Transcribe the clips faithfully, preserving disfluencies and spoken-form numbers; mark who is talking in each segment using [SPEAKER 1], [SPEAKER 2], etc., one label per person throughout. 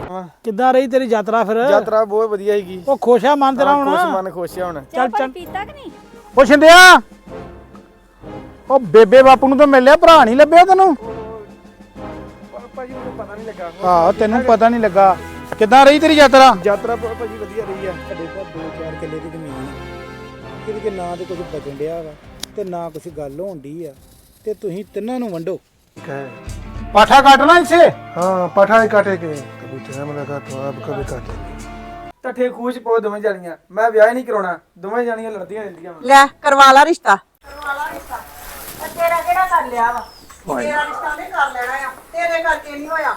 [SPEAKER 1] ਕਿੱਦਾਂ ਰਹੀ ਤੇਰੀ ਯਾਤਰਾ ਫਿਰ?
[SPEAKER 2] ਯਾਤਰਾ ਬਹੁਤ ਵਧੀਆ ਹੈਗੀ।
[SPEAKER 1] ਉਹ ਖੁਸ਼ ਆ ਮਨ ਤੇਰਾ ਹੁਣ?
[SPEAKER 2] ਖੁਸ਼ ਮਨ ਖੁਸ਼ ਆ ਹੁਣ।
[SPEAKER 1] ਚੱਲ ਚੱਲ
[SPEAKER 3] ਪੀਤਾ ਕਿ ਨਹੀਂ?
[SPEAKER 1] ਉਹ ਛਿੰਦਿਆ, ਉਹ ਬੇਬੇ ਬਾਪੂ ਨੂੰ ਤਾਂ ਮਿਲ ਲਿਆ, ਭਰਾ ਨਹੀਂ ਲੱਭਿਆ ਤੈਨੂੰ?
[SPEAKER 2] ਭਾਜੀ ਮੈਨੂੰ ਪਤਾ ਨਹੀਂ ਲੱਗਾ।
[SPEAKER 1] ਹਾਂ ਤੈਨੂੰ ਪਤਾ ਨਹੀਂ ਲੱਗਾ। ਕਿੱਦਾਂ ਰਹੀ ਤੇਰੀ ਯਾਤਰਾ?
[SPEAKER 2] ਯਾਤਰਾ ਭਾਜੀ ਵਧੀਆ ਰਹੀ ਆ।
[SPEAKER 4] ਸਾਡੇ ਕੋਲ ਦੋ ਚਾਰ ਕਿੱਲੇ ਦੀ ਜ਼ਮੀਨ ਇਹਦੇ ਕੇ ਨਾ ਤੇ ਕੁਝ ਬਚਣ ਡਿਆ ਵਾ ਤੇ ਨਾ ਕੁਝ ਗੱਲ ਹੋਣ ਡਈ ਆ ਤੇ ਤੁਸੀਂ ਤਿੰਨਾਂ ਨੂੰ ਵੰਡੋ।
[SPEAKER 1] पाठा काटना इसे?
[SPEAKER 5] हाँ पाठा ही काटेंगे, कभी टाइम लगा तो आप कभी काटेंगे।
[SPEAKER 2] ਟੱਠੇ ਖੂਚ ਪੋ ਦੋਵੇਂ ਜਾਣੀਆਂ। ਮੈਂ ਵਿਆਹ ਹੀ ਨਹੀਂ ਕਰਾਉਣਾ, ਦੋਵੇਂ ਜਾਣੀਆਂ ਲੜਦੀਆਂ ਰਹਿੰਦੀਆਂ।
[SPEAKER 6] ਲੈ ਕਰਵਾ ਲਾ ਰਿਸ਼ਤਾ। ਕਰਵਾ ਲਾ ਰਿਸ਼ਤਾ। ਤੇਰਾ ਕਿਹੜਾ ਕਰ ਲਿਆ ਵਾ? ਤੇਰਾ ਰਿਸ਼ਤਾ ਨਹੀਂ ਕਰ ਲੈਣਾ ਆ, ਤੇਰੇ ਕਰਕੇ ਨਹੀਂ ਹੋਇਆ।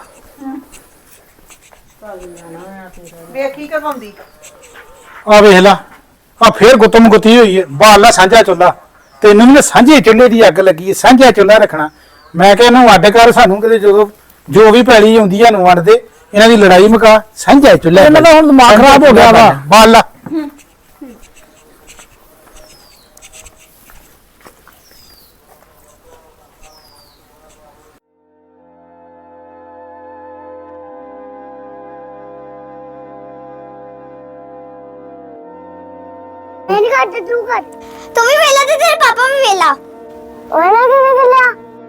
[SPEAKER 6] ਵੇਖੀ ਕਰਵਾਉਂਦੀ।
[SPEAKER 1] आ वेख ला, आ फिर गुत्तम गुत्ती हुई है। बाल ला सांझा चुल्हा, तेनों भी सांझे चुल्हे की अग लगी है। सांझा चुल्हा रखना। मैं क्या इन्हों अड कर, सानू किते जो जो भी पैली आउंदी है इन्हों वंड दे। इन्हां दी लड़ाई मुका, सांझा चुल्हा। इन्हां दा हुण दिमाग खराब हो गया वा। बाल ला
[SPEAKER 7] मैं नहीं करता, तू कर। तुम भी वेला थे, तेरे पापा भी वेला। वेला किसे वेला?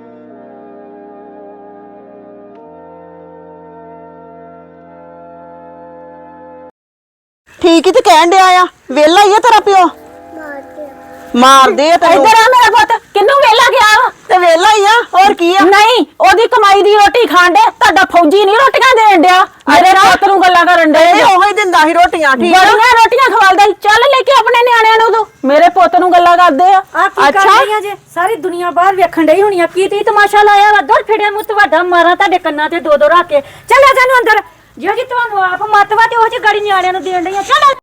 [SPEAKER 6] ਠੀਕ ਹੀ ਤੇ ਕਹਿਣ ਡਿਆ ਆ, ਵੇਲਾ ਹੀ ਆ ਤੇਰਾ ਪਿਓ। ਮਾਰ ਦੇ ਤੈਨੂੰ।
[SPEAKER 3] ਇੱਧਰ ਆ ਮੇਰਾ ਪੁੱਤ, ਕਿੰਨੂੰ ਵੇਲਾ ਗਿਆ ਵਾ?
[SPEAKER 6] ਤੇ ਵੇਲਾ ਹੀ ਆ, ਹੋਰ ਕੀ ਆ?
[SPEAKER 3] ਨਹੀਂ, ਉਹਦੀ ਕਮਾਈ ਦੀ ਰੋਟੀ ਖਾਣ ਦੇ। ਤੁਹਾਡਾ ਫੌਜੀ ਨਹੀਂ ਰੋਟੀਆਂ ਦੇਣ ਡਿਆ। ਮੇਰੇ ਪੁੱਤ ਨੂੰ ਗੱਲਾਂ ਕਰਨ ਡੇ।
[SPEAKER 6] ਇਹ ਉਹੀ ਦਿੰਦਾ ਸੀ ਰੋਟੀਆਂ, ਠੀਕ ਆ?
[SPEAKER 3] ਬੜੀਆਂ ਰੋਟੀਆਂ ਖਵਾਲਦਾ ਸੀ। ਚੱਲ ਲੈ ਕੇ ਆਪਣੇ ਨਿਆਣਿਆਂ ਨੂੰ ਤੂੰ। ਮੇਰੇ ਪੁੱਤ ਨੂੰ ਗੱਲਾਂ ਕਰਦੇ ਆ।
[SPEAKER 8] ਅੱਛਾ ਜੇ ਸਾਰੀ ਦੁਨੀਆ ਬਾਹਰ ਵੇਖਣ ਡਈ ਹੋਣੀ ਆ, ਕੀ ਤੀ ਤਮਾਸ਼ਾ ਲਾਇਆ ਵਾ? ਦਰ ਫਿੜਿਆ ਮੂੰਹ ਤੁਹਾਡਾ ਮਾਰਾਂ ਤੁਹਾਡੇ ਕੰਨਾਂ ਤੇ ਦੋ ਦੋ ਰੱਖ ਕੇ। ਚੱਲ ਜਾਨੂੰ ਅੰਦਰ। ਜਿਹੋ ਜੀ ਤੁਹਾਨੂੰ ਆਪ ਮਤਵਾ ਤੇ ਉਹ ਜੀ ਗਾੜੀ ਨਿਆਣਿਆਂ ਨੂੰ ਦੇਣ ਡਈਆਂ। ਚੱਲ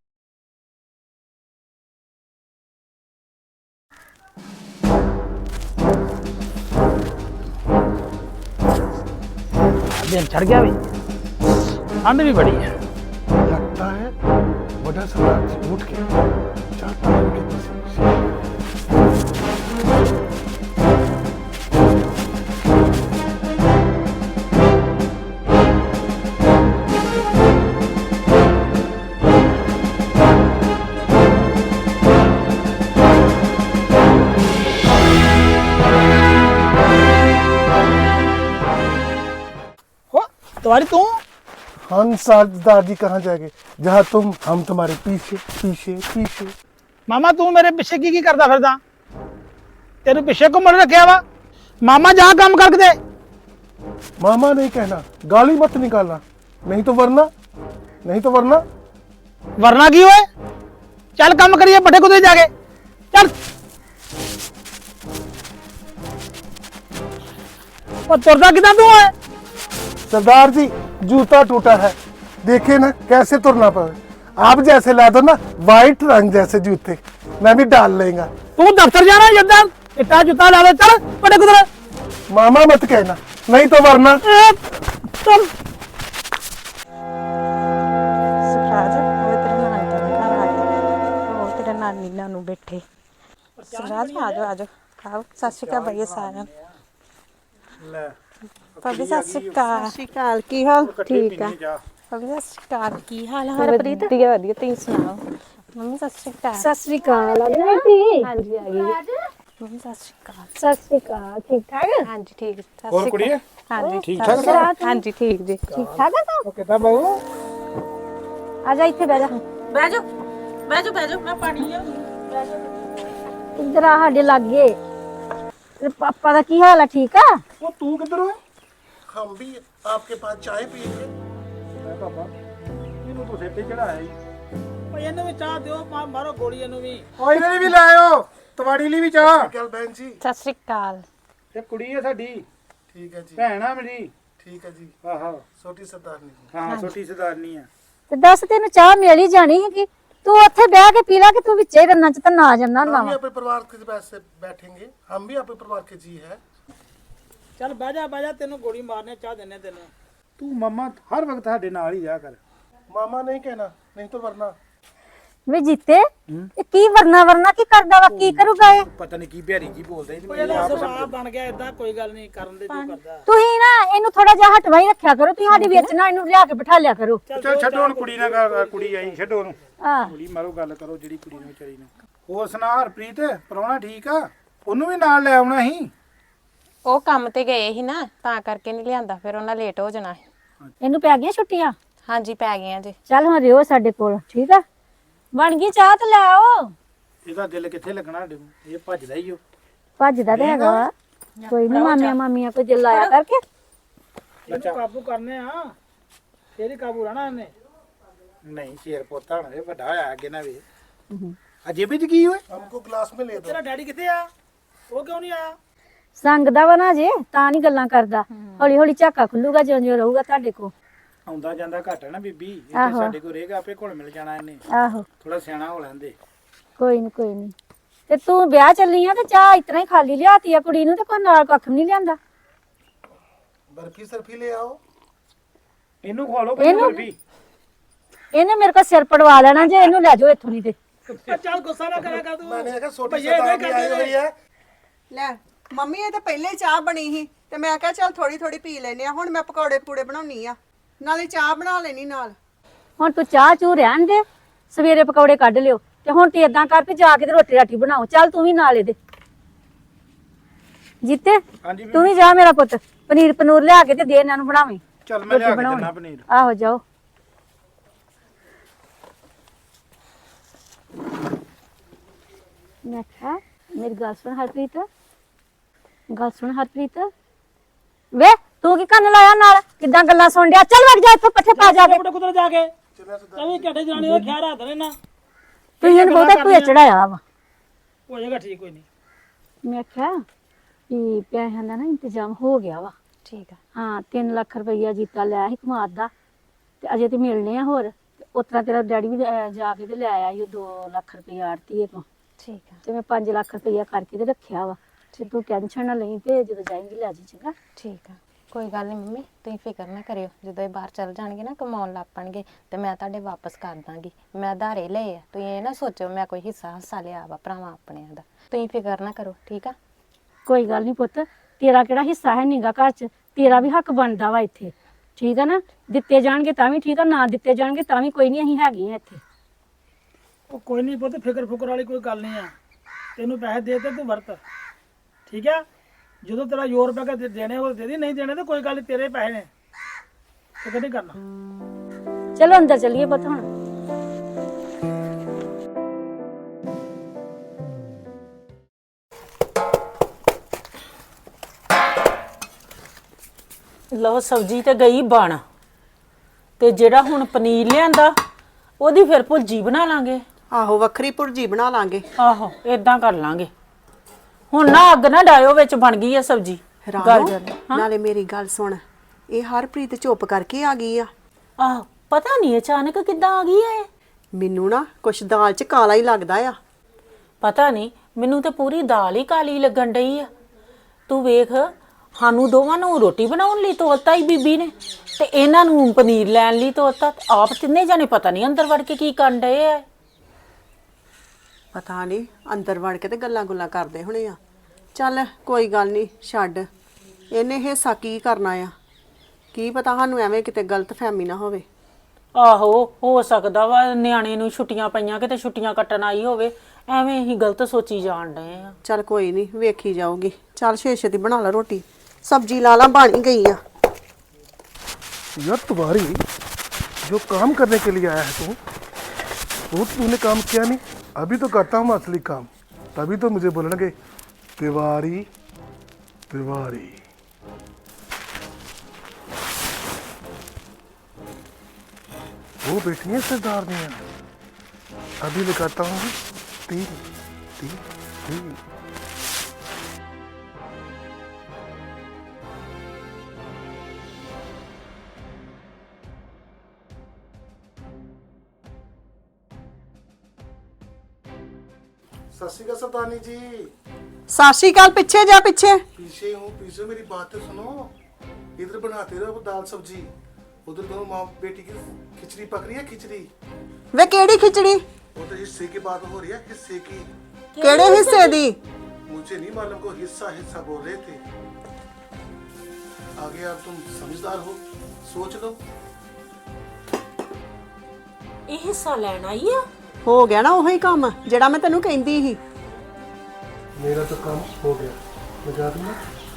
[SPEAKER 1] दिन चढ़ गया भी, ठंड भी बड़ी है।
[SPEAKER 5] लगता है बड़ा सम्राट उठ के जाता है उनके पीछे।
[SPEAKER 1] तुम्हारी तू
[SPEAKER 5] हम सरदार जी कहाँ जाएंगे जहाँ तुम, हम तुम्हारे पीछे पीछे पीछे।
[SPEAKER 1] मामा तू मेरे पीछे की की करता फिरदा? तेरे पीछे घूमन रखिया वा? मामा जा काम करके दे।
[SPEAKER 5] मामा नहीं कहना, गाली मत निकालना, नहीं तो वरना नहीं तो वरना
[SPEAKER 1] वरना की होए? चल काम करिए बड़े कुदे जाके। चल और तुरदा किदा तू है?
[SPEAKER 5] सरदार जी जूता टूटा है, देखे ना कैसे तुरना पड़े। आप जैसे ला दो ना वाइट रंग जैसे जूते, मैं भी डाल लेगा।
[SPEAKER 1] तू दफ्तर जाना जदा इतना जूता ला ले। चल बड़े कुदरे।
[SPEAKER 5] मामा मत कहना, नहीं तो वरना।
[SPEAKER 1] चल
[SPEAKER 6] ਸੁਖਰਾਜ ਉਹ ਤੇਰੇ ਨਾਨੀ ਦੇ ਘਰ ਆਏ, ਉਹ ਤੇਰੇ ਨਾਨੀ ਨਾਨੂ ਬੈਠੇ। ਸੁਖਰਾਜ ਆ ਜਾਓ ਆ ਜਾਓ, ਖਾਓ। ਸਤਿ ਸ਼੍ਰੀ ਅਕਾਲ ਬਈਏ ਸਾਰਿਆਂ ਨੂੰ।
[SPEAKER 1] ले
[SPEAKER 6] ਭਾਬੀ ਸਤਿ ਸ਼੍ਰੀ ਅਕਾਲ। ਸਤਿ ਸ਼੍ਰੀ ਅਕਾਲ, ਕੀ ਹਾਲ? ਠੀਕ ਆ ਭਾਬੀ, ਸਤਿ ਸ਼੍ਰੀ ਅਕਾਲ। ਕੀ ਹਾਲ ਹੈ ਹਰਪ੍ਰੀਤ? ਵਧੀਆ ਵਧੀਆ, ਤੁਸੀਂ ਸੁਣਾਓ? ਮੰਮੀ ਸਤਿ ਸ਼੍ਰੀ ਅਕਾਲ।
[SPEAKER 8] ਸਤਿ ਸ੍ਰੀ ਅਕਾਲ। ਆ ਗਈ?
[SPEAKER 6] ਹਾਂਜੀ ਆ ਗਈ ਮੰਮੀ। ਸਤਿ ਸ਼੍ਰੀ ਅਕਾਲ।
[SPEAKER 8] ਸਤਿ ਸ੍ਰੀ ਅਕਾਲ। ਠੀਕ ਠਾਕ?
[SPEAKER 6] ਹਾਂਜੀ ਠੀਕ। ਸਤਿ
[SPEAKER 1] और
[SPEAKER 6] ਸ਼੍ਰੀ
[SPEAKER 1] कुड़िए
[SPEAKER 6] ਅਕਾਲ। ਹਾਂਜੀ
[SPEAKER 1] ठीक ठाक?
[SPEAKER 6] ਹਾਂਜੀ ਠੀਕ ਜੀ।
[SPEAKER 8] ਠੀਕ ਠਾਕ ਆ ਤੂੰ?
[SPEAKER 1] किदा बहू?
[SPEAKER 8] ਆ ਜਾ ਇੱਥੇ ਬਹਿ ਜਾ।
[SPEAKER 6] ਬਹਿ ਜਾਓ ਬਹਿ ਜਾਓ ਬਹਿ ਜਾਓ, ਮੈਂ ਪਾਣੀ ਲਿਆਉਂਦੀ।
[SPEAKER 8] ਇੱਧਰ ਆ ਸਾਡੇ ਲਾਗੇ। ਤੇਰੇ ਪਾਪਾ ਦਾ ਕੀ ਹਾਲ ਆ? ਠੀਕ ਆ?
[SPEAKER 5] वो तू किधर है? हम भी आपके पास चाय पिएंगे।
[SPEAKER 1] पापा ਇਹਨੂੰ ਤੂੰ ਸਿਰ ਤੇ ਚੜਾਇਆ ਹੀ। ਓਏ ਇਹਨੂੰ ਵੀ ਚਾਹ ਦਿਓ, ਮਾਰੋ ਗੋਲੀ ਇਹਨੂੰ ਵੀ। ਓਏ ਇਹਨੇ ਵੀ ਲਾਇਓ, ਤੁਹਾਡੀ ਲਈ ਵੀ ਚਾਹ।
[SPEAKER 5] कल बहन जी
[SPEAKER 6] ਸਤਿ ਸ਼੍ਰੀ ਅਕਾਲ।
[SPEAKER 1] ਇਹ ਕੁੜੀ ਹੈ ਸਾਡੀ,
[SPEAKER 5] ठीक है जी,
[SPEAKER 1] ਭੈਣ ਆ ਮੇਰੀ।
[SPEAKER 5] ठीक है जी,
[SPEAKER 1] ਆਹੋ
[SPEAKER 5] छोटी सरदारनी जी।
[SPEAKER 1] ਹਾਂ, ਛੋਟੀ ਸਰਦਾਰਨੀ ਆ।
[SPEAKER 8] ਤੇ ਦੱਸ ਤੈਨੂੰ ਚਾਹ ਮਿਲ ਹੀ ਜਾਣੀ ਹੈਗੀ। ਤੂੰ ਉੱਥੇ ਬਹਿ ਕੇ ਪੀ ਲਾ ਕਿ ਤੂੰ ਵਿੱਚੇ ਰੰਨਾਂ ਚ ਤਾਂ ਨਾ ਜਾਂਦਾ ਹੁੰਦਾ
[SPEAKER 5] हम भी
[SPEAKER 8] ਵਾ।
[SPEAKER 5] अपने परिवार के पैसे बैठेंगे, हम भी अपने परिवार के जी है।
[SPEAKER 1] ਚੱਲ ਬਹਿ ਜਾ ਬਹਿ ਜਾ, ਤੈਨੂੰ ਗੋਲੀ ਮਾਰਨੇ ਚਾਹ ਦਿੰਨੇ ਤੈਨੂੰ। ਤੂੰ ਮੰਮਾ ਹਰ ਵਕਤ ਸਾਡੇ ਨਾਲ ਹੀ ਰਿਹਾ ਕਰ।
[SPEAKER 5] मामा नहीं कहना, नहीं तो वरना।
[SPEAKER 8] ਵੇ ਜੀਤੇ ਇਹ ਕੀ ਵਰਨਾ ਵਰਨਾ ਕੀ ਕਰਦਾ ਵਾ ਕੀ ਕਰੂਗਾ ਇਹ
[SPEAKER 1] ਪਤਾ ਨਹੀਂ ਕੀ ਬਿਹਾਰੀ ਜੀ ਬੋਲਦਾ ਜੀ
[SPEAKER 4] ਇਹਦਾ ਸੁਭਾਅ ਬਣ ਗਿਆ ਇਦਾਂ, ਕੋਈ ਗੱਲ ਨਹੀਂ ਕਰਨ ਦੇ ਜੋ ਕਰਦਾ।
[SPEAKER 8] ਤੁਸੀਂ ਨਾ ਇਹਨੂੰ ਥੋੜਾ ਜਿਹਾ ਹਟਵਾ ਹੀ ਰੱਖਿਆ ਕਰੋ, ਤੁਸੀਂ ਸਾਡੀ ਵਿੱਚ ਨਾ ਇਹਨੂੰ ਲਿਆ ਕੇ ਬਿਠਾ ਲਿਆ ਕਰੋ।
[SPEAKER 1] ਚੱਲ ਛੱਡੋ ਹੁਣ ਕੁੜੀ ਨਾਲ ਗੱਲ- ਕੁੜੀ ਆਈ ਛੱਡੋ ਉਹਨੂੰ,
[SPEAKER 8] ਆਹ
[SPEAKER 1] ਕੁੜੀ ਮਾਰੋ ਗੱਲ ਕਰੋ ਜਿਹੜੀ ਕੁੜੀ ਨੂੰ ਵਿਚਾਰੀ ਨੂੰ। ਹੋਰ ਸੁਣਾ ਹਰਪ੍ਰੀਤ, ਪ੍ਰਾਹੁਣਾ ਠੀਕ ਆ? ਉਹਨੂੰ ਵੀ ਨਾਲ ਲੈ ਆਉਣਾ ਸੀ।
[SPEAKER 6] ਉਹ ਕੰਮ ਤੇ ਗਏ ਸੀ ਨਾ, ਤਾਂ ਕਰਕੇ ਨਹੀਂ ਲਿਆਂਦਾ, ਫਿਰ ਉਹਨਾਂ ਲੇਟ ਹੋ ਜਾਣਾ ਸੀ।
[SPEAKER 3] ਇਹਨੂੰ ਪੈ ਗਈਆਂ ਛੁੱਟੀਆਂ?
[SPEAKER 6] ਹਾਂਜੀ ਪੈ ਗਈਆਂ ਜੀ।
[SPEAKER 3] ਚੱਲ ਹੁਣ ਰਿਓ ਸਾਡੇ ਕੋਲ, ਠੀਕ ਆ? ਬਣ ਗਈ ਚਾਹ ਤੇ ਲੈ ਆਓ।
[SPEAKER 1] ਇਹਦਾ ਦਿਲ ਕਿੱਥੇ ਲੱਗਣਾ ਸਾਡੇ ਨੂੰ, ਇਹ ਭੱਜਦਾ ਹੀ ਉਹ।
[SPEAKER 3] ਭੱਜਦਾ ਤੇ ਹੈਗਾ ਵਾ, ਕੋਈ ਨਹੀਂ ਮਾਮੀਆਂ ਮਾਮੀਆਂ ਕੋਈ ਦਿਲ ਲਾਇਆ ਕਰਕੇ।
[SPEAKER 4] ਇਹਨੂੰ ਕਾਬੂ ਕਰਨੇ ਆ, ਤੇਰੀ ਕਾਬੂ ਰਹਿਣਾ ਇਹਨੇ।
[SPEAKER 1] ਨਹੀਂ ਸ਼ੇਰ ਪੋਤਾ ਹੋਣਾ, ਇਹ ਵੱਡਾ ਹੋਇਆ ਅੱਗੇ ਨਾ ਵੇ। ਅਜੇ ਵੀ ਕੀ ਹੋਏ?
[SPEAKER 5] हमको ग्लास में ले दो।
[SPEAKER 4] ਤੇਰਾ ਡੈਡੀ ਕਿੱਥੇ ਆ? ਉਹ ਕਿਉਂ ਨਹੀਂ ਆਇਆ?
[SPEAKER 3] ਸੰਗਦਾ ਵਾ ਨਾ ਜੇ, ਤਾਂ ਨਹੀਂ ਗੱਲਾਂ ਕਰਦਾ। ਹੌਲੀ ਹੌਲੀ ਝਾਕਾ ਖੁੱਲੂਗਾ ਜਿਉਂ ਜਿਉਂ ਰਹੂਗਾ ਤੁਹਾਡੇ ਕੋਲ।
[SPEAKER 1] ਆਉਂਦਾ ਜਾਂਦਾ ਘੱਟ ਹੈ ਨਾ ਬੀਬੀ, ਇੱਥੇ ਸਾਡੇ ਕੋਲ ਰਹੇਗਾ ਆਪੇ ਘੁਲ ਮਿਲ ਜਾਣਾ ਇਹਨੇ।
[SPEAKER 3] ਆਹੋ
[SPEAKER 1] ਥੋੜਾ ਸਿਆਣਾ ਹੋ ਲੈਂਦੇ।
[SPEAKER 3] ਕੋਈ ਨਹੀਂ ਕੋਈ ਨਹੀਂ। ਤੇ ਤੂੰ ਵਿਆਹ ਚੱਲੀ ਆ ਤੇ ਚਾਹ ਇਤਨਾ ਹੀ ਖਾਲੀ ਲਿਆਤੀ ਆ ਕੁੜੀ ਨੂੰ, ਤੇ ਕੋਈ ਨਾਲ ਕੱਖ ਵੀ ਨਹੀਂ ਲਿਆਂਦਾ।
[SPEAKER 5] बर्फी सर्फी ले आओ।
[SPEAKER 1] ਇਹਨੂੰ ਖਵਾ ਲਓ ਪਹਿਲਾਂ ਬੀਬੀ।
[SPEAKER 3] ਇਹਨੇ ਮੇਰੇ ਕੋਲ ਸਿਰ ਪੜਵਾ ਲੈਣਾ ਜੇ ਇਹਨੂੰ ਲੈ ਜਾਓ ਇੱਥੋਂ ਨਹੀਂ ਤੇ।
[SPEAKER 4] ਚੱਲ ਗੁੱਸਾ ਨਾ ਕਰਿਆ ਕਰ ਤੂੰ।
[SPEAKER 5] मैंने कहा छोटी सरदारनी आई हुई है।
[SPEAKER 9] ਲੈ ਮੰਮੀ ਇਹ ਤਾਂ ਪਹਿਲੇ ਹੀ ਚਾਹ ਬਣੀ ਸੀ ਤੇ ਮੈਂ ਕਿਹਾ ਚੱਲ ਥੋੜੀ ਥੋੜੀ ਪੀ ਲੈਨੇ ਆ। ਹੁਣ ਮੈਂ ਪਕੌੜੇ ਪੂੜੇ ਬਣਾਉਣੀ ਆ, ਨਾਲੇ ਚਾਹ ਬਣਾ ਲੈਣੀ ਨਾਲ।
[SPEAKER 3] ਹੁਣ ਤੂੰ ਚਾਹ ਚੂ ਰਹਿਣ ਦੇ, ਸਵੇਰੇ ਪਕੌੜੇ ਕੱਢ ਲਿਓ। ਤੇ ਹੁਣ ਤੇ ਇਦਾਂ ਕਰ ਵੀ ਜਾ ਕੇ ਤੇ ਰੋਟੀ ਰਾਟੀ ਬਣਾਓ। ਚੱਲ ਤੂੰ ਵੀ ਨਾਲ ਇਹਦੇ। ਜੀਤੇ
[SPEAKER 1] ਹਾਂਜੀ
[SPEAKER 3] ਤੂੰ ਵੀ ਜਾ ਮੇਰਾ ਪੁੱਤ, ਪਨੀਰ ਪਨੂਰ ਲਿਆ ਕੇ ਤੇ ਦੇ ਇਹਨਾਂ ਨੂੰ ਬਣਾਵੇਂ।
[SPEAKER 1] ਚੱਲ ਮੈਂ ਲਿਆ ਕੇ ਦਿੰਦਾ ਪਨੀਰ।
[SPEAKER 3] ਆਹੋ ਜਾਓ। ਮੈਂ ਕਿਹਾ ਮੇਰੀ ਗੱਲ ਸੁਣ ਹਰਪ੍ਰੀਤ, ਗੱਲ ਸੁਣ ਹਰਪ੍ਰੀਤ। ਵੇ ਤੂੰ ਕੀ ਕੰਨ ਲਾਇਆ ਨਾਲ, ਕਿੱਦਾਂ ਗੱਲਾਂ ਸੁਣ ਡਿਆ? ਚੱਲ ਵਗ ਜਾ ਇੱਥੋਂ, ਪੱਠੇ ਪਾ ਜਾ ਕੇ।
[SPEAKER 4] ਕੁਦਰ ਜਾ ਕੇ ਤਵੇਂ ਘੱਟੇ ਜਾਣੀ ਦਾ ਖਿਆਲ ਰੱਖ ਦੇਣਾ।
[SPEAKER 3] ਤੂੰ ਇਹਨੂੰ ਬਹੁਤਾ ਭੂਏ ਚੜਾਇਆ ਵਾ।
[SPEAKER 4] ਹੋ ਜਾਏਗਾ ਠੀਕ, ਕੋਈ ਨਹੀਂ।
[SPEAKER 3] ਮੈਂ ਕਿਹਾ ਕਿ ਪੈਸਿਆਂ ਦਾ ਨਾ ਇੰਤਜ਼ਾਮ ਹੋ ਗਿਆ ਵਾ।
[SPEAKER 6] ਠੀਕ ਆ।
[SPEAKER 3] ਹਾਂ ਤਿੰਨ ਲੱਖ ਰੁਪਈਆ ਜੀਤਾ ਲਿਆ ਸੀ ਕਮਾਦ ਦਾ, ਤੇ ਅਜੇ ਤੇ ਮਿਲਨੇ ਆ ਹੋਰ। ਉਸ ਤਰ੍ਹਾਂ ਤੇਰਾ ਡੈਡੀ ਵੀ ਅਹ, ਜਾ ਕੇ ਤੇ ਲੈ ਆਇਆ ਸੀ ਦੋ ਲੱਖ ਰੁਪਈਆ ਆੜਤੀਏ ਤੋਂ।
[SPEAKER 6] ਠੀਕ ਆ।
[SPEAKER 3] ਤੇ ਮੈਂ ਪੰਜ ਲੱਖ ਰੁਪਈਆ ਕਰਕੇ ਤੇ ਰੱਖਿਆ ਵਾ। ਤੇ ਤੂੰ ਟੈਨਸ਼ਨ ਨਾ ਲਈ, ਤੇ ਜਦੋਂ ਜਾਏਂਗੀ ਲੈ ਜੀ, ਚੰਗਾ?
[SPEAKER 6] ਠੀਕ ਆ, ਕੋਈ ਗੱਲ ਨਹੀਂ ਮੰਮੀ, ਤੁਸੀਂ ਫਿਕਰ ਨਾ ਕਰਿਓ। ਜਦੋਂ ਇਹ ਬਾਹਰ ਚੱਲ ਜਾਣਗੇ ਨਾ, ਕਮਾਉਣ ਲੱਗ ਪਣਗੇ, ਤੇ ਮੈਂ ਤੁਹਾਡੇ ਵਾਪਸ ਕਰ ਦਾਂਗੀ। ਮੈਂ ਆਧਾਰੇ ਲਏ ਆ, ਤੁਸੀਂ ਇਹ ਨਾ ਸੋਚੋ ਮੈਂ ਕੋਈ ਹਿੱਸਾ ਹਿੱਸਾ ਲਿਆ ਵਾ ਭਰਾਵਾਂ ਆਪਣਿਆਂ ਦਾ। ਤੁਸੀਂ ਫਿਕਰ ਨਾ ਕਰੋ, ਠੀਕ ਆ?
[SPEAKER 3] ਕੋਈ ਗੱਲ ਨਹੀਂ ਪੁੱਤ, ਤੇਰਾ ਕਿਹੜਾ ਹਿੱਸਾ ਹੈ ਨੀਗਾ ਘਰ 'ਚ? ਤੇਰਾ ਵੀ ਹੱਕ ਬਣਦਾ ਵਾ ਇੱਥੇ, ਠੀਕ ਆ ਨਾ? ਦਿੱਤੇ ਜਾਣਗੇ ਤਾਂ ਵੀ ਠੀਕ ਆ, ਨਾ ਦਿੱਤੇ ਜਾਣਗੇ ਤਾਂ ਵੀ ਕੋਈ ਨਹੀਂ, ਅਸੀਂ ਹੈਗੇ ਆ ਇੱਥੇ।
[SPEAKER 4] ਉਹ ਕੋਈ ਨਹੀਂ ਪੁੱਤ, ਫਿਕਰ ਫੁਕਰ ਵਾਲੀ ਕੋਈ ਗੱਲ ਨਹੀਂ ਆ। ਤੈਨੂੰ ਪੈਸੇ ਦੇ ਤੇ ਤੂੰ ਵਰਤ, ਠੀਕ ਆ? ਜਦੋਂ ਤੇਰਾ ਜ਼ੋਰ ਪੈ ਕੇ ਦੇਣੇ ਉਹ ਦੇ ਦੀ, ਨਹੀਂ ਦੇਣੇ ਤਾਂ ਕੋਈ ਗੱਲ ਨਹੀਂ, ਤੇਰੇ ਪੈਸੇ ਨੇ, ਫਿਕਰ ਨਹੀਂ ਕਰਨਾ।
[SPEAKER 3] ਚਲੋ ਅੰਦਰ ਚੱਲੀਏ ਪੁੱਤ ਹੁਣ।
[SPEAKER 10] ਲਓ ਸਬਜ਼ੀ ਤੇ ਗਈ ਬਣ, ਤੇ ਜਿਹੜਾ ਹੁਣ ਪਨੀਰ ਲਿਆਂਦਾ ਉਹਦੀ ਫਿਰ ਭੁਰਜੀ ਬਣਾ ਲਾਂਗੇ।
[SPEAKER 9] ਆਹੋ ਵੱਖਰੀ ਭੁਰਜੀ ਬਣਾ ਲਾਂਗੇ।
[SPEAKER 10] ਆਹੋ ਇਦਾਂ ਕਰ ਲਾਂਗੇ। ਹੁਣ ਨਾ ਅੱਗ ਨਾ ਡਾਇਓ, ਵਿੱਚ ਬਣ ਗਈ ਆ ਸਬਜ਼ੀ।
[SPEAKER 9] ਰਾਣੋ, ਨਾਲੇ ਮੇਰੀ ਗੱਲ ਸੁਣ, ਇਹ ਹਰਪ੍ਰੀਤ ਚੁੱਪ ਕਰਕੇ ਆ ਗਈ ਆ।
[SPEAKER 10] ਆਹ ਪਤਾ ਨਹੀਂ ਅਚਾਨਕ ਕਿੱਦਾਂ ਆ ਗਈ ਐ।
[SPEAKER 9] ਮੈਨੂੰ ਨਾ ਕੁਛ ਦਾਲ 'ਚ ਕਾਲਾ ਹੀ ਲੱਗਦਾ ਆ।
[SPEAKER 10] ਪਤਾ ਨਹੀਂ, ਮੈਨੂੰ ਤੇ ਪੂਰੀ ਦਾਲ ਹੀ ਕਾਲੀ ਲੱਗਣ ਡਈ ਆ। ਤੂੰ ਵੇਖ, ਸਾਨੂੰ ਦੋਵਾਂ ਨੂੰ ਰੋਟੀ ਬਣਾਉਣ ਲਈ ਤੋਰਤਾ ਹੀ ਬੀਬੀ ਨੇ, ਤੇ ਇਹਨਾਂ ਨੂੰ ਪਨੀਰ ਲੈਣ ਲਈ ਤੋਰਤਾ। ਆਪ ਤਿੰਨੇ ਜਾਣੇ ਪਤਾ ਨਹੀਂ ਅੰਦਰ ਵੜ ਕੇ ਕੀ ਕਰਨ ਡਏ ਆ।
[SPEAKER 9] ਪਤਾ ਨਹੀਂ ਅੰਦਰ ਵੜ ਕੇ ਤੇ ਗੱਲਾਂ ਗੁੱਲਾਂ ਕਰਦੇ ਹੋਣੇ ਆ। ਚੱਲ ਕੋਈ ਗੱਲ ਨਹੀਂ, ਛੱਡ। ਇਹਨੇ ਹਿੱਸਾ ਕੀ ਕਰਨਾ ਆ, ਕੀ ਪਤਾ ਸਾਨੂੰ ਐਵੇਂ ਕਿਤੇ ਗਲਤ ਫਹਿਮੀ ਨਾ ਹੋਵੇ।
[SPEAKER 10] ਆਹੋ ਹੋ ਸਕਦਾ ਵਾ ਨਿਆਣੇ ਨੂੰ ਛੁੱਟੀਆਂ ਪਈਆਂ, ਕਿਤੇ ਛੁੱਟੀਆਂ ਕੱਟਣ ਆਈ ਹੋਵੇ, ਐਵੇਂ ਹੀ ਗਲਤ ਸੋਚੀ ਜਾਣ ਡਏ ਆ।
[SPEAKER 9] ਚੱਲ ਕੋਈ ਨਹੀਂ, ਵੇਖੀ ਜਾਊਗੀ। ਚੱਲ ਛੇ ਛੇਤੀ ਬਣਾ ਲਾ ਰੋਟੀ, सब्जी लाला बन ही गई है।
[SPEAKER 5] यार तुम्हारी जो काम करने के लिए आया है तू, वो तूने काम किया नहीं। अभी तो करता हूँ असली काम, तभी तो मुझे बोलना कि तिवारी तिवारी। वो बैठी है सरदार ने, अभी लगाता हूँ तीन तीन तीन। सत श्री अकाल सरदारनी जी।
[SPEAKER 9] सत श्री अकाल। पीछे जा, पीछे
[SPEAKER 5] पीछे हूँ, पीछे। मेरी बात तो सुनो। इधर बनाते रहो दाल सब्जी, उधर दोनों माँ बेटी की खिचड़ी पक रही है। खिचड़ी
[SPEAKER 9] वे केड़ी खिचड़ी?
[SPEAKER 5] वो तो हिस्से की बात हो रही है, हिस्से की।
[SPEAKER 9] ਕਿਹੜੇ ਹਿੱਸੇ ਦੀ?
[SPEAKER 5] मुझे नहीं मालूम को हिस्सा हिस्सा बोल रहे थे। आगे आप तुम समझदार हो, सोच लो।
[SPEAKER 10] ਇਹ ਹਿੱਸਾ ਲੈਣ ਆਈ ਆ?
[SPEAKER 9] ਹੋ ਗਿਆ ਨਾ ਉਹੀ ਕੰਮ ਜਿਹੜਾ ਮੈਂ ਤੈਨੂੰ ਕਹਿੰਦੀ ਸੀ।
[SPEAKER 5] मेरा तो काम हो गया, मैं जा दूंगा।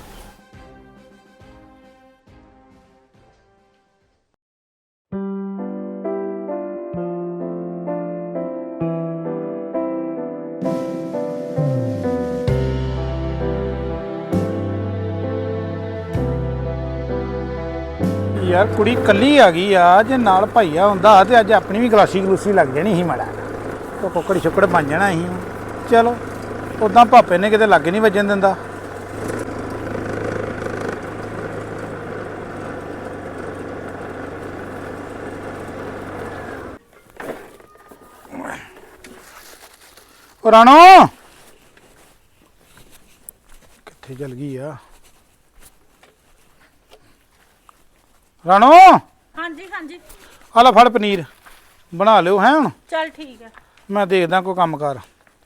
[SPEAKER 1] ਯਾਰ ਕੁੜੀ ਕੱਲੀ ਆ ਗਈ ਆ, ਜੇ ਨਾਲ ਭਾਈਆ ਹੁੰਦਾ ਤੇ ਅੱਜ ਆਪਣੀ ਵੀ ਗਲਾਸੀ ਗਲੂਸੀ ਲੱਗ ਜਾਣੀ ਸੀ ਮਾੜਾ, ਉਹ ਕੁੱਕੜ ਛੁੱਕੜ ਬਣ ਜਾਣਾ ਸੀ। ਚਲੋ ਉਦਾਂ ਭਾਪੇ ਨੇ ਕਿਤੇ ਲੱਗ ਨਹੀਂ ਵੱਜਣ ਦਿੰਦਾ। ਉਹ ਰਾਣੋ ਕਿੱਥੇ ਚਲ ਗਈ ਆ? ਰਾਣੋ
[SPEAKER 10] ਹਾਂਜੀ ਹਾਂਜੀ
[SPEAKER 1] ਆ ਲੈ ਫੜ ਪਨੀਰ ਬਣਾ ਲਿਓ ਹੈ ਹੁਣ।
[SPEAKER 10] ਚੱਲ ਠੀਕ ਹੈ।
[SPEAKER 1] ਮੈਂ ਦੇਖਦਾ ਕੋਈ ਕੰਮ ਕਰ।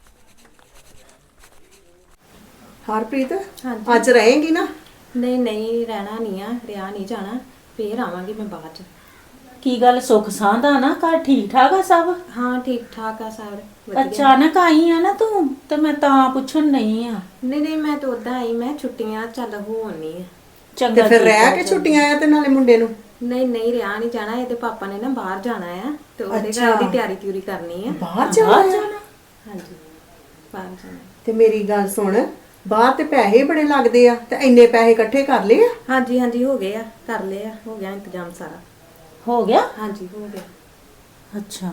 [SPEAKER 9] ਹਰਪ੍ਰੀਤ ਅੱਜ ਰਹੇਂਗੀ ਨਾ?
[SPEAKER 6] ਨਹੀਂ ਨਹੀਂ ਰਹਿਣਾ ਨਹੀਂ ਆ, ਰਿਆ ਨਹੀਂ ਜਾਣਾ, ਫੇਰ ਆਵਾਂਗੀ ਮੈਂ ਬਾਅਦ ਚ।
[SPEAKER 10] ਕੀ ਗੱਲ ਸੁੱਖ ਸਾਂਦਾ ਨਾ ਘਰ ਠੀਕ ਠਾਕ ਆ ਸਭ?
[SPEAKER 6] ਹਾਂ ਠੀਕ ਠਾਕ ਆ ਸਾਰੇ ਵਧੀਆ।
[SPEAKER 10] ਅਚਾਨਕ ਆਈ ਆ ਨਾ ਤੂੰ ਤੇ ਮੈਂ ਤਾਂ ਪੁੱਛਣ ਨਹੀਂ ਆ।
[SPEAKER 6] ਨਹੀਂ ਨਹੀਂ ਮੈਂ ਤਾਂ ਉਦਾਂ ਆਈ, ਮੈਂ ਛੁੱਟੀਆਂ ਚੱਲ ਹੋਣੀ ਆ।
[SPEAKER 9] ਤੇ
[SPEAKER 10] ਚੰਗਾ
[SPEAKER 9] ਫਿਰ
[SPEAKER 10] ਕੀਤਾ
[SPEAKER 9] ਰਹਿ ਕੇ ਛੁੱਟੀਆਂ ਆ ਤੇ ਨਾਲੇ ਮੁੰਡੇ ਨੂੰ?
[SPEAKER 6] ਨਹੀਂ ਨਹੀਂ ਰਿਆ ਨਹੀਂ ਜਾਣਾ, ਇਹਦੇ ਪਾਪਾ ਨੇ ਨਾ ਬਾਹਰ ਜਾਣਾ ਆ ਤੇ ਉਹਦੇ ਘਰ ਦੀ ਤਿਆਰੀ ਤਿਉਰੀ ਕਰਨੀ ਆ।
[SPEAKER 9] ਬਾਹਰ ਜਾਣਾ ਹੈ?
[SPEAKER 6] ਹਾਂਜੀ ਬਾਹਰ ਜਾਣਾ।
[SPEAKER 9] ਤੇ ਮੇਰੀ ਗੱਲ ਸੁਣ, ਬਾਹਰ ਤੇ ਪੈਸੇ ਬੜੇ ਲੱਗਦੇ ਆ, ਤੇ ਇੰਨੇ ਪੈਸੇ ਇਕੱਠੇ ਕਰ ਲਏ ਆ?
[SPEAKER 6] ਹਾਂਜੀ ਹਾਂਜੀ ਹੋ ਗਏ ਆ, ਕਰ ਲਏ ਆ, ਹੋ ਗਿਆ ਇੰਤਜ਼ਾਮ ਸਾਰਾ।
[SPEAKER 10] ਹੋ ਗਿਆ?
[SPEAKER 6] ਹਾਂਜੀ ਹੋ ਗਿਆ।
[SPEAKER 10] ਅੱਛਾ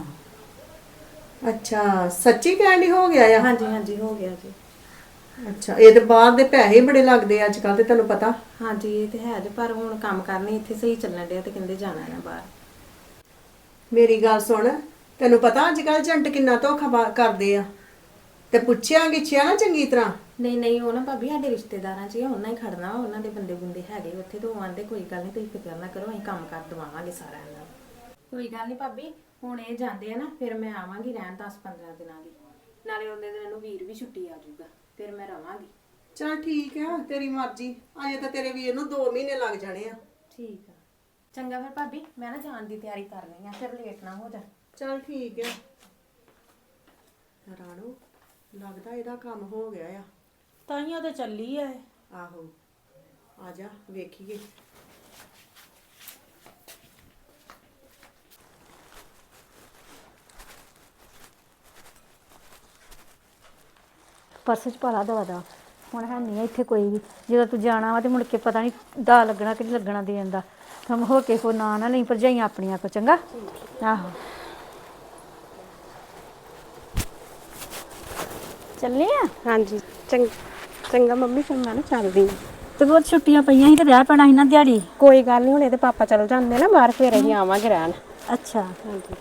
[SPEAKER 9] ਅੱਛਾ ਸੱਚੀ ਕਹਿਣੀ ਹੋ ਗਿਆ ਆ?
[SPEAKER 6] ਹਾਂਜੀ ਹਾਂਜੀ ਹੋ ਗਿਆ ਜੀ।
[SPEAKER 9] ਅੱਛਾ ਇਹ ਤੇ ਬਾਹਰ ਦੇ ਪੈਸੇ ਬੜੇ ਲੱਗਦੇ ਆ ਅੱਜ ਕੱਲ, ਤੇ ਤੈਨੂੰ ਪਤਾ।
[SPEAKER 6] ਹਾਂਜੀ ਇਹ ਤੇ ਹੈ ਜੀ, ਪਰ ਹੁਣ ਕੰਮ ਕਰਨੀ ਇੱਥੇ ਸਹੀ ਚੱਲਣ ਡਿਆ ਤੇ ਕਹਿੰਦੇ ਜਾਣਾ ਨਾ ਬਾਹਰ।
[SPEAKER 9] ਮੇਰੀ ਗੱਲ ਸੁਣ, ਤੈਨੂੰ ਪਤਾ ਅੱਜ ਕੱਲ ਏਜੰਟ ਕਿੰਨਾ ਧੋਖਾ ਬਾ- ਕਰਦੇ ਆ, ਤੇ ਪੁੱਛਿਆ ਗਿੱਛਿਆ ਨਾ ਚੰਗੀ ਤਰ੍ਹਾਂ।
[SPEAKER 6] ਨਹੀਂ ਨਹੀਂ ਉਹ ਨਾ ਭਾਬੀ ਸਾਡੇ ਰਿਸ਼ਤੇਦਾਰਾਂ 'ਚ ਹੀ ਆ, ਉਹਨਾਂ ਹੀ ਖੜਨਾ, ਉਹਨਾਂ ਦੇ ਬੰਦੇ ਬੁੰਦੇ ਹੈਗੇ ਉੱਥੇ, ਤੋਂ ਆਂਦੇ ਕੋਈ ਗੱਲ ਨਹੀਂ ਤੁਸੀਂ ਫਿਕਰ ਨਾ ਕਰੋ, ਅਸੀਂ ਕੰਮ ਕਰ ਦਵਾਵਾਂਗੇ ਸਾਰਿਆਂ ਨਾਲ। ਕੋਈ ਗੱਲ ਨਹੀਂ ਭਾਬੀ, ਹੁਣ ਇਹ ਜਾਂਦੇ ਆ ਨਾ ਫਿਰ ਮੈਂ ਆਵਾਂਗੀ ਰਹਿਣ ਦਸ ਪੰਦਰਾਂ ਦਿਨਾਂ ਲਈ, ਨਾਲੇ ਉਹਦੇ ਦਿਨ ਨੂੰ ਵੀਰ ਵੀ ਛੁੱਟੀ ਆ ਜਾਊਗਾ, ਫਿਰ ਮੈਂ ਰਵਾਂਗੀ।
[SPEAKER 9] ਚਲ ਠੀਕ ਆ, ਤੇਰੀ ਮਰਜ਼ੀ। ਅਜੇ ਤਾਂ ਤੇਰੇ ਵੀਰ ਨੂੰ ਦੋ ਮਹੀਨੇ ਲੱਗ ਜਾਣੇ ਆ।
[SPEAKER 6] ਠੀਕ ਆ ਚੰਗਾ ਫਿਰ ਭਾਬੀ, ਮੈਂ ਨਾ ਜਾਣ ਦੀ ਤਿਆਰੀ ਕਰਨੀ ਆ, ਫਿਰ ਲੇਟ ਨਾ ਹੋ ਜਾ।
[SPEAKER 9] ਚਲ ਠੀਕ ਆ। ਰਾਣੋ ਲੱਗਦਾ ਇਹਦਾ ਕੰਮ ਹੋ ਗਿਆ ਆ।
[SPEAKER 10] ਤਾਈਆਂ ਤੇ ਚੱਲੀ ਆ।
[SPEAKER 9] ਆਹੋ ਆ ਜਾ ਵੇਖੀਏ।
[SPEAKER 3] ਪਰਸ ਚ ਪਾਲਾ ਦਵਾ ਦਾ, ਹੁਣ ਹੈ ਨਹੀਂ ਇੱਥੇ ਕੋਈ ਵੀ। ਜਦੋਂ ਤੂੰ ਜਾਣਾ ਵਾ ਤੇ ਮੁੜ ਕੇ ਪਤਾ ਨਹੀਂ ਦਾ ਲੱਗਣਾ ਕਿ ਨਹੀਂ ਲੱਗਣਾ ਦੇਣ ਦਾ। ਤੁਮ ਹੋ ਕੇ ਕੋ ਨਾ ਨਾ ਨਹੀਂ ਭਰਜਾਈਆਂ ਆਪਣੀਆਂ ਕੋ, ਚੰਗਾ? ਆਹੋ ਚੱਲੇ ਆ?
[SPEAKER 6] ਹਾਂਜੀ ਚੰਗ ਚੰਗਾ ਮੰਮੀ, ਫਿਰ ਮੈਂ ਨਾ ਚੱਲਦੀ ਹਾਂ।
[SPEAKER 3] ਤੇ ਬਹੁਤ ਛੁੱਟੀਆਂ ਪਈਆਂ ਸੀ ਤੇ ਰਹਿ ਪੈਣਾ ਸੀ ਨਾ ਦਿਹਾੜੀ।
[SPEAKER 6] ਕੋਈ ਗੱਲ ਨਹੀਂ, ਹੁਣ ਇਹਦੇ ਪਾਪਾ ਚੱਲ ਜਾਂਦੇ ਨਾ ਬਾਹਰ, ਫਿਰ ਅਸੀਂ ਆਵਾਂਗੇ ਰਹਿਣ।
[SPEAKER 3] ਅੱਛਾ
[SPEAKER 6] ਹਾਂਜੀ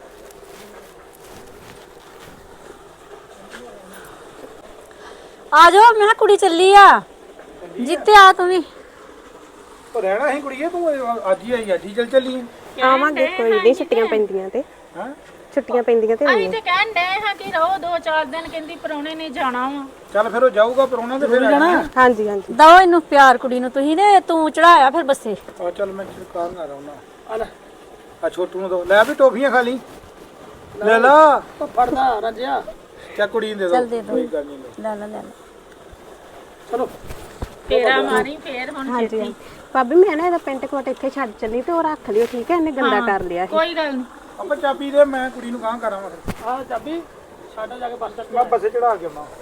[SPEAKER 3] ਆ ਜਾਓ, ਮੈਂ ਕਿਹਾ ਕੁੜੀ ਚੱਲੀ ਆ। ਜਿੱਤੇ ਆ ਤੂੰ ਵੀ।
[SPEAKER 1] ਉਹ ਰਹਿਣਾ ਸੀ ਕੁੜੀਏ, ਤੂੰ ਅੱਜ ਹੀ ਆਈ, ਅੱਜ ਹੀ ਚੱਲ ਚੱਲੀ ਆ।
[SPEAKER 6] ਆਵਾਂਗੇ ਕੋਈ ਨਹੀਂ, ਛੁੱਟੀਆਂ ਪੈਂਦੀਆਂ ਤੇ
[SPEAKER 1] ਹਾਂ
[SPEAKER 6] ਛੁੱਟੀਆਂ ਪੈਂਦੀਆਂ ਤੇ
[SPEAKER 10] ਅਸੀਂ ਤੇ ਕਹਿਣ ਡਏ ਹਾਂ ਕਿ ਰਹੋ ਦੋ ਚਾਰ ਦਿਨ, ਕਹਿੰਦੀ ਪਰੌਣੇ ਨੇ ਜਾਣਾ ਵਾ।
[SPEAKER 1] ਚੱਲ ਫਿਰ ਉਹ ਜਾਊਗਾ ਪਰੋਣਾ ਤੇ ਫਿਰ ਜਾਣਾ।
[SPEAKER 6] ਹਾਂਜੀ ਹਾਂਜੀ
[SPEAKER 3] ਦਓ ਇਹਨੂੰ ਪਿਆਰ ਕੁੜੀ ਨੂੰ ਤੁਸੀਂ, ਤੇ ਤੂੰ ਚੜਾਇਆ ਫਿਰ ਬੱਸੇ।
[SPEAKER 1] ਆ ਚੱਲ ਮੈਂ ਸਰਕਾਰ ਨਾ ਰਹੁਣਾ। ਆ ਲੈ ਆ ਛੋਟੂ ਨੂੰ ਦੋ, ਲੈ ਵੀ ਟੋਫੀਆਂ ਖਾ ਲਈ, ਲੈ ਲਾ।
[SPEAKER 4] ਫੜਦਾ ਰਾਜਿਆ।
[SPEAKER 1] ਚਾ ਕੁੜੀ ਨੂੰ ਦੇ
[SPEAKER 3] ਚੱਲ
[SPEAKER 1] ਦੋ,
[SPEAKER 3] ਦੇ ਦੋ।
[SPEAKER 1] ਕੋਈ ਗੱਲ ਨਹੀਂ।
[SPEAKER 3] ਲੈ ਲੈ ਲੈ ਲੈ।
[SPEAKER 4] ਚਲੋ
[SPEAKER 10] ਤੇਰਾ ਮਾਰੀ ਫੇਰ ਹੁਣ
[SPEAKER 6] ਹਾਂਜੀ ਭਾਬੀ, ਮੈਂ ਨਾ ਇਹਦਾ ਪੈਂਟ ਕੋਟ ਇੱਥੇ ਛੱਡ ਚੱਲੀ ਤੇ ਉਹ ਰੱਖ ਲਿਓ, ਠੀਕ ਹੈ? ਇਹਨੇ ਗੰਦਾ ਕਰ ਲਿਆ ਸੀ।
[SPEAKER 10] ਕੋਈ ਗੱਲ ਨਹੀਂ।
[SPEAKER 1] ਆਪਾਂ ਚਾਬੀ ਦੇ, ਮੈਂ ਕੁੜੀ ਨੂੰ ਗਾਂ ਕਰਾਂਗਾ।
[SPEAKER 4] ਆ ਚਾਬੀ ਸਾਡਾ ਜਾ ਕੇ ਬੱਸ ਸਟੈਂਡ।
[SPEAKER 1] ਮੈਂ ਬੱਸੇ ਚੜਾ ਕੇ ਆਉਣਾ।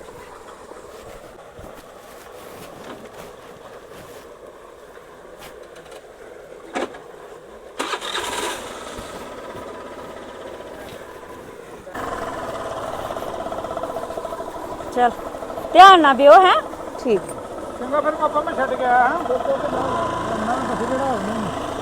[SPEAKER 3] ਚੱਲ ਧਿਆਨ ਨਾਲ ਬਿਓ ਹੈ।
[SPEAKER 6] ਠੀਕ
[SPEAKER 1] ਚੰਗਾ ਫਿਰ ਪਾਪਾ ਮੈਂ ਛੱਡ ਕੇ ਆਇਆ ਹਾਂ। ਦੋ ਦੋ ਤੇ ਨਾ ਬੱਸੇ ਚੜਾ ਆਉਣੀ।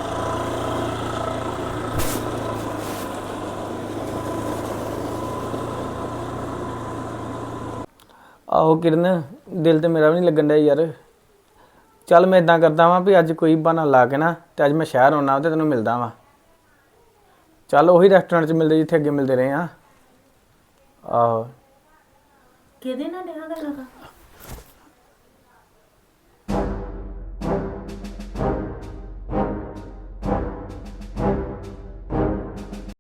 [SPEAKER 2] ਆਹੋ ਕਿਰਨ, ਦਿਲ ਤੇ ਮੇਰਾ ਵੀ ਨਹੀਂ ਲੱਗਣ ਡਿਆ ਯਾਰ। ਚੱਲ ਮੈਂ ਇਦਾਂ ਕਰਦਾ ਵਾਂ ਵੀ ਅੱਜ ਕੋਈ ਬਹਾਨਾ ਲਾ ਕੇ ਨਾ, ਤੇ ਅੱਜ ਮੈਂ ਸ਼ਹਿਰ ਆਉਣਾ ਤੇ ਤੈਨੂੰ ਮਿਲਦਾ ਵਾਂ। ਚੱਲ ਉਹੀ ਰੈਸਟੋਰੈਂਟ 'ਚ ਮਿਲਦੇ ਜਿੱਥੇ ਅੱਗੇ ਮਿਲਦੇ ਰਹੇ ਆ। ਆਹੋ
[SPEAKER 10] ਕਿਹਦੇ ਨਾਲ ਡਿਆ ਗੱਲਾਂ ਕਰ